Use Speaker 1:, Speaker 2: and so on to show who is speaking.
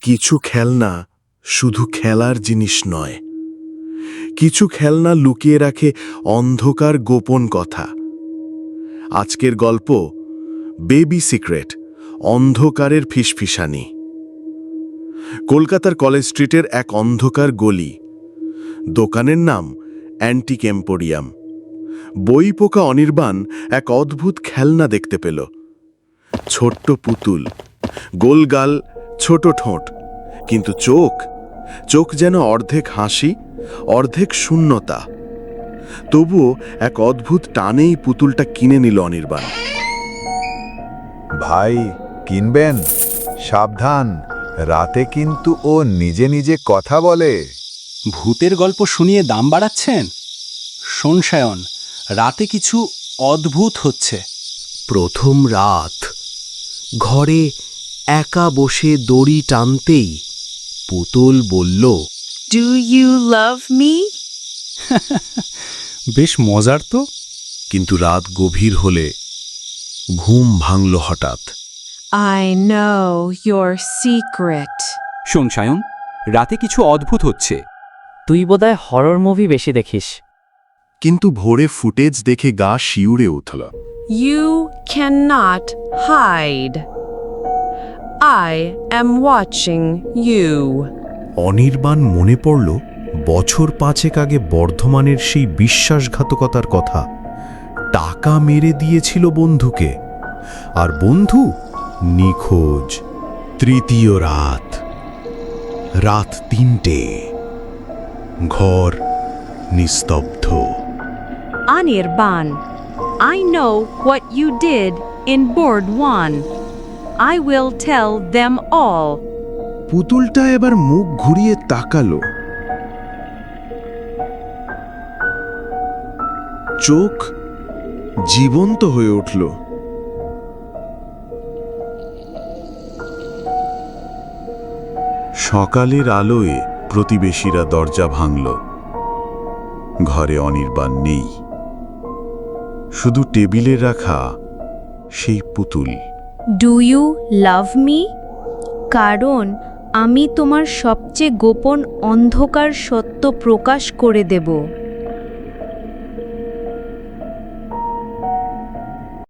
Speaker 1: কিছু খেলনা শুধু খেলার জিনিস নয়, কিছু খেলনা লুকিয়ে রাখে অন্ধকার গোপন কথা। আজকের গল্প বেবি সিক্রেট, অন্ধকারের ফিসফিসানি। কলকাতার কলেজ স্ট্রিটের এক অন্ধকার গলি। দোকানের নাম অ্যান্টিক এম্পোরিয়াম। বই পোকা অনির্বাণ এক অদ্ভুত খেলনা দেখতে পেল। ছোট্ট পুতুল, গোলগাল, ছোট ঠোঁট, কিন্তু চোখ যেন অর্ধেক হাসি, অর্ধেক শূন্যতা। তবুও এক অদ্ভুত টানেই পুতুলটা কিনে নিল অনির্বাণ।
Speaker 2: ভাই, কিনবেন? সাবধান, রাতে কিন্তু ও নিজে নিজে কথা বলে।
Speaker 3: ভূতের গল্প শুনিয়ে দাম বাড়াচ্ছেন? শোন সায়ন, রাতে কিছু অদ্ভুত হচ্ছে।
Speaker 4: প্রথম রাত, ঘরে একা বসে দড়ি টানতেই পুতুল বলল,
Speaker 5: Do you love me?
Speaker 3: বেশ মজার তো।
Speaker 1: কিন্তু রাত গভীর হলে ঘুম ভাঙল হঠাৎ।
Speaker 5: I know your secret.
Speaker 6: শোন সায়ন, রাতে কিছু অদ্ভুত হচ্ছে।
Speaker 7: তুই বোধহয় হরর মুভি বেশি দেখিস।
Speaker 1: কিন্তু ভোরে ফুটেজ দেখে গা শিউরে উঠল।
Speaker 5: You cannot hide. I am watching you.
Speaker 1: Anirban মনে পড়ল বছর 5 আগে বর্ধমানের সেই বিশ্বাসঘাতকতার কথা। টাকা মেরে দিয়েছিল বন্ধুকে, আর বন্ধু নিখোঁজ। তৃতীয় রাত, রাত 3টে, ঘর নিস্তব্ধ।
Speaker 5: Anirban, I know what you did in Board 1. I will tell them all.
Speaker 1: পুতুলটা এবার মুখ ঘুরিয়ে তাকালো। চোখ জীবন্ত হয়ে উঠল। সকালের আলোয় প্রতিবেশীরা দরজা ভাঙল। ঘরে অনির্বাণ নেই, শুধু টেবিলে রাখা সেই পুতুল।
Speaker 8: Do you love me? কারণ আমি তোমার সবচেয়ে গোপন অন্ধকার সত্য প্রকাশ করে দেব।